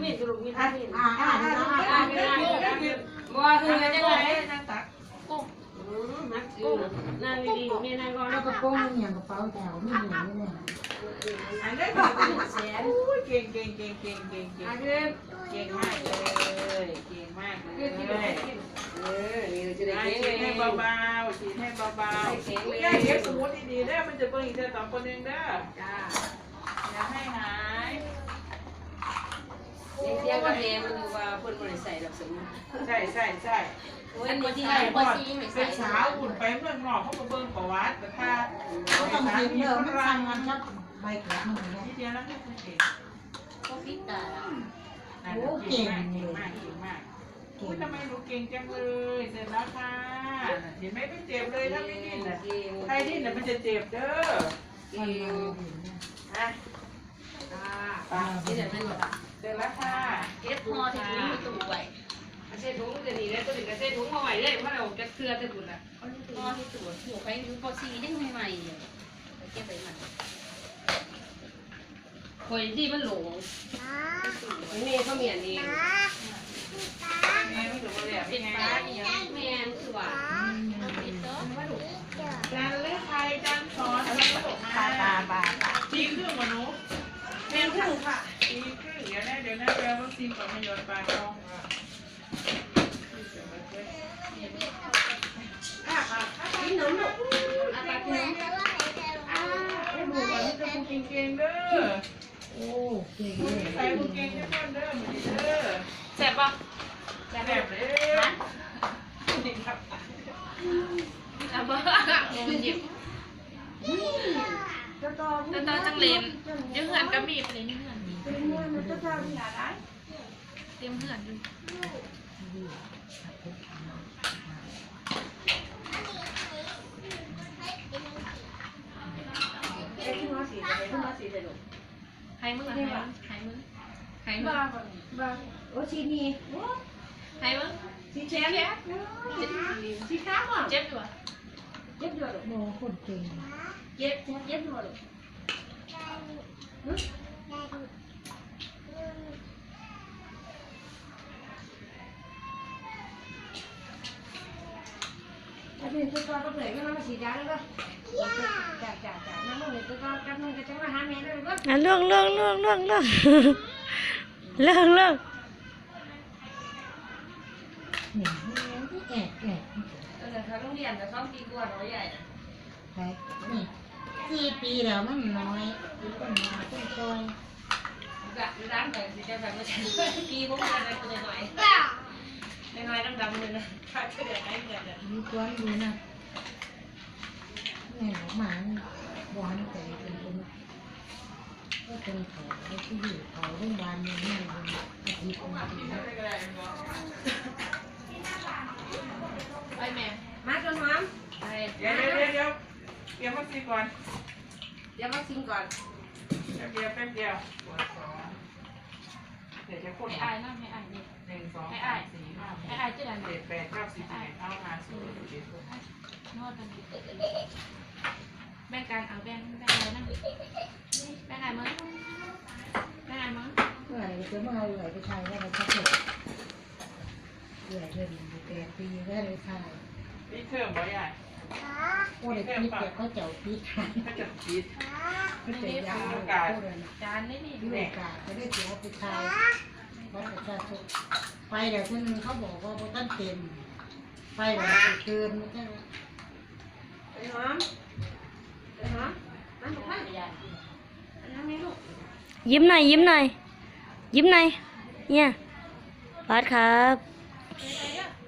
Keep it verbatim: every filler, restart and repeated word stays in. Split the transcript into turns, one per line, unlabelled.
มินกระดูกมีวิตามิน
อ่าอ่าอ่าอ่าไม่ได้
บัวคือจะไหนนั่งตักกุ้งมัดกุ้งนั่งดีๆเนี่ยนั่งก่อน
แล้วก็โป้งอย่างกระเป๋าแถวนี่อย่างนี้เนี่ย
อันนี้เป็นแสนเก่งเก่งเก่งเก่งเก่งเก่งเก่งมากเลยเก่งมากเลยเออนี่จะได้เก่งให้เบาๆฉีดให้เบาๆเก่งเลยเก็บสมุดดีๆได้มันจะเบิ่งอีกแต่ต่อคนนึงเด้อจ้าอย่าให้หายเสียกับแม่มันดูว่าเพิ่นบ่ได้ใส่ดอกสมุนใช่ใช่ใช่อันนี้ที่ใส่บ่เป็นสาวอุ่นไปเมืองนอกเขาก็เบิ่งประวัติแต่ถ้า
เขาต้องกินเยอะมันสั่งกันครับใบเกิดมันเนี่ย
ที่เดียวแล้วให้คุณเก่ง
ก็ฟิตตา
โอ้เก่งมากเก่งมากเก่งมากอุ้ยทำไมหนูเก่งจังเลยเสร็จแล้วค่ะเห็นไหมไม่เจ็บเลยถ้าไม่ดิ้นน่ะใครดิ้นน่ะมันจะเจ็บเด้อเก่งอ่ะอ่าที่เดี๋ยวไม่หมดอ่ะเสร็จแล้วค่ะ
เก็บพอที่ถุงมีตู้ไว้
เส้นถุงจะหนีแล้วตัวหนึ่งก็เส้นถุงมาไว้เลยเพราะเราจะเคลือจะบุญอ่ะ
พอที่ตู้หัวไปดูพอซียังใหม่ๆเลยเก็บไปมัน
คอยที่มันหลงนี่เขาเมียนเองไงไม่ถูกเลยอ่ะเป็นไงแม่คือว่าจานเลือกใครจานช้อนอะไรก็บอกมาตาบาตีครึ่งมาหนูแม่ครึ่งค่ะตีครึ่งเดี๋ยวนะเดี๋ยวนะแปลวัคซีนก่อนมาหยดปลาทองนี่หนูหนูอะไรเนี่ยไอ้หมูก่อนนี่จะพูดเก่งๆเด้อ
โอ้เก่ง
คุ
เล
ณ
ย
ใส่คุณเก่งจะเพิ่มเด้อมือเด้อแซ่บปะแซ่บเลยนี่ครับอ่ะบ้ามันหยิบ
จะต่อ
แต่ตอนจังเลนยังเหือนก็มีเลยนี่เหือนมี
เป็นเงินมันจะทำอย่าได้
เต็มเหือนอยู่
ไอ้ที่มาสีอะไรที่มาสีอะไรลูก
ใครมึงอะใครมึงใครมึงใครมึง
บ้าบ้า
โอ้ชีนี่
ใครมึง
สีแฉะสีขาวอ่ะ
เจ็บอยู่อ่ะ
เย็บด้วยลูก
โมคนเก่ง
เย็บเย็บด้วยลูก
อันนี้ตัวต่อก็เผยก็มาฉีดยาแล้วก็จ่าจ่าจ่านั่งเลยตัวต่อกับมึงก็จะมาหาแม่ได้เลยก็
อ่ะเรื่องเรื่องเรื่องเรื่องเรื่องเรื่องเรื่อง
เนี่ยที่แอบแอบ
เออเขาโรงเรียนแต่ชอบตีกวนน้อยใหญ่
ใช่นี่สี่ปีแล้วมันน้อยต้นมาต้นซอย
กะร้านแต่สิจะแบบว่าปีพวกมันอะไรตัวหน่อยน้อยๆดำๆเลยนะขาดเดือดไหนเดือด
มีตัวอยู่นะแม่หมาหวานใจเป็นคนก็เป็นเขาที่อยู่เขาโรงพยาบาลเนี่ยนี่เป็นอาทิตย์อาทิตย์
ไปแม่
มาจนหอมเดี๋ยวเดี๋ยวเดี๋ยวเตรียมวัคซีนก่อนเตรียมวัคซีนก่อนแป๊บเดียวแป๊บเดียวเดี๋ยวจะพ่น
ให้อายนะให้อายนี่
หนึ่งสองสามสี่ห้าหก
ให้อายจะดัน
เจ็ดแปดเก้าสิบสิบเอ็ดเข้ามาสิบเอ็ดสิบสอง
นวดกันแบ่งการเอาแบ่งแบ่งอะไรนะแบ่งอะไรมั้งแบ่งอะไรมั้ง
เมื่อไหร่จะมาเอาไหลไปไทยได้ไหมครับผมเหนื่อยเลยแปดปีได้เลยไทย
นี่เทอมบ่ใหญ่
โอ้เด็กพีแต่เขาเจ้าพีไทย
ถ้าจะคิด
เขาเจ้ายาวโคตรนะ
จานนี่นี่
ที่โอกาสจะได้เสียไปไทยวัดประชาชนไปเดี๋ยวคนนึงเขาบอกว่าท่านเต็มไปเดี๋ยวเกินไม่ใช่
ไอ้หอมไอ้หอมมันบอกว่าอันนั้นไม่ลูก
ยิ้มหน่อยยิ้มหน่อยยิ้มหน่อยเนี่ยบาสครับ
ไปเยอะ